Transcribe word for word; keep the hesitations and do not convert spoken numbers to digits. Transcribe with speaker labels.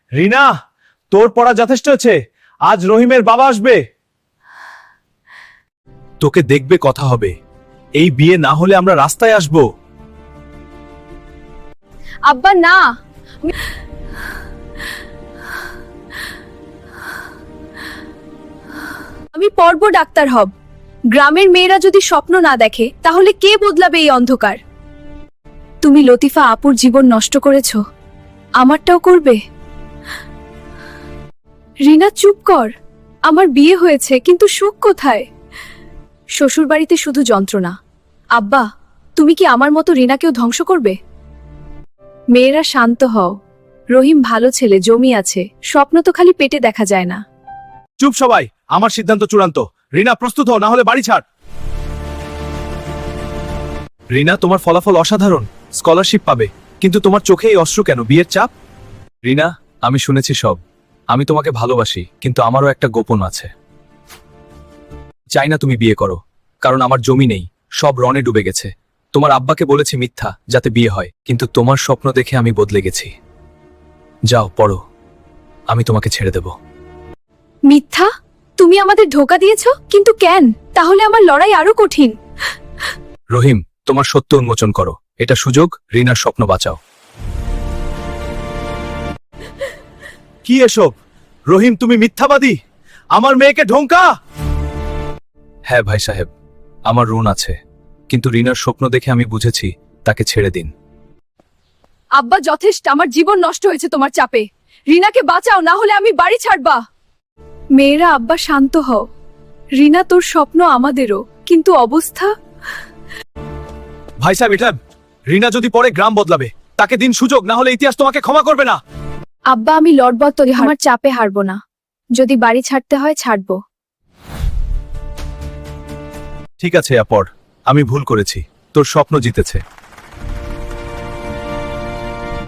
Speaker 1: রিনা, তোর পড়া যথেষ্ট হয়েছে। আজ রহিমের বাবা আসবে, তোকে দেখবে, কথা হবে। এই বিয়ে না হলে আমরা রাস্তায় আসব।
Speaker 2: আব্বা না, আমি পড়ব, ডাক্তার হব। গ্রামের মেয়েরা যদি স্বপ্ন না দেখে তাহলে কে বদলাবে এই অন্ধকার? তুমি লতিফা আপুর জীবন নষ্ট করেছো, আমারটাও করবে? রিনা চুপ কর, আমার বিয়ে হয়েছে কিন্তু সুখ কোথায়? শ্বশুরবাড়িতে শুধু যন্ত্রণা। আব্বা, তুমি কি আমার মতো রিনাকেও ধ্বংস করবে? মেয়েরা শান্ত হও, রহিম ভালো ছেলে, জমি আছে, স্বপ্ন তো খালি পেটে দেখা যায় না।
Speaker 1: চুপ সবাই, আমার সিদ্ধান্ত চূড়ান্ত। রিনা প্রস্তুত হও, না হলে বাড়ি ছাড়। রিনা, তোমার ফলাফল অসাধারণ, স্কলারশিপ পাবে, কিন্তু তোমার চোখে এই অশ্রু কেন? বিয়ের চাপ? রিনা, আমি শুনেছি সব। আমি তোমাকে ভালোবাসি, কিন্তু আমারও একটা গোপন আছে। চাই না তুমি বিয়ে করো, কারণ আমার জমি নেই, সব রণে ডুবে গেছে। তোমার আব্বাকে বলেছি মিথ্যা, যাতে বিয়ে হয়, কিন্তু তোমার স্বপ্ন দেখে আমি বদলে গেছি। যাও পড়ো, আমি তোমাকে ছেড়ে দেব।
Speaker 2: মিথ্যা? তুমি আমাদের ধোকা দিয়েছো, কিন্তু কেন? তাহলে আমার লড়াই আরো কঠিন।
Speaker 1: রহিম, তোমার সত্য উন্মোচন করো, এটা সুযোগ, রিনার স্বপ্ন বাঁচাও। কি এসব? রহিম, তুমি মিথ্যাবাদী, আমার মেয়েকে ঢোঙ্কা। হ্যাঁ ভাই সাহেব, আমার ঋণ আছে, কিন্তু রিনার স্বপ্ন দেখে আমি বুঝেছি, তাকে ছেড়ে দিন।
Speaker 2: আব্বা যথেষ্ট, আমার জীবন নষ্ট হয়েছে তোমার চাপে। রিনাকে বাঁচাও, না হলে আমি বাড়ি ছাড়বা। মেয়েরা, আব্বা শান্ত হও। রিনা, তোর স্বপ্ন আমাদেরও, কিন্তু অবস্থা।
Speaker 1: ভাই সাহেব, এটা রিনা যদি পরে গ্রাম বদলাবে, তাকে দিন সুযোগ, না হলে ইতিহাস তোমাকে ক্ষমা করবে না।
Speaker 2: আব্বা, আমি লড়ব, তো আমার চাপে হারবো না। যদি বাড়ি ছাড়তে হয় ছাড়বো।
Speaker 1: ঠিক আছে আপর, আমি ভুল করেছি, তোর স্বপ্ন জিতেছে।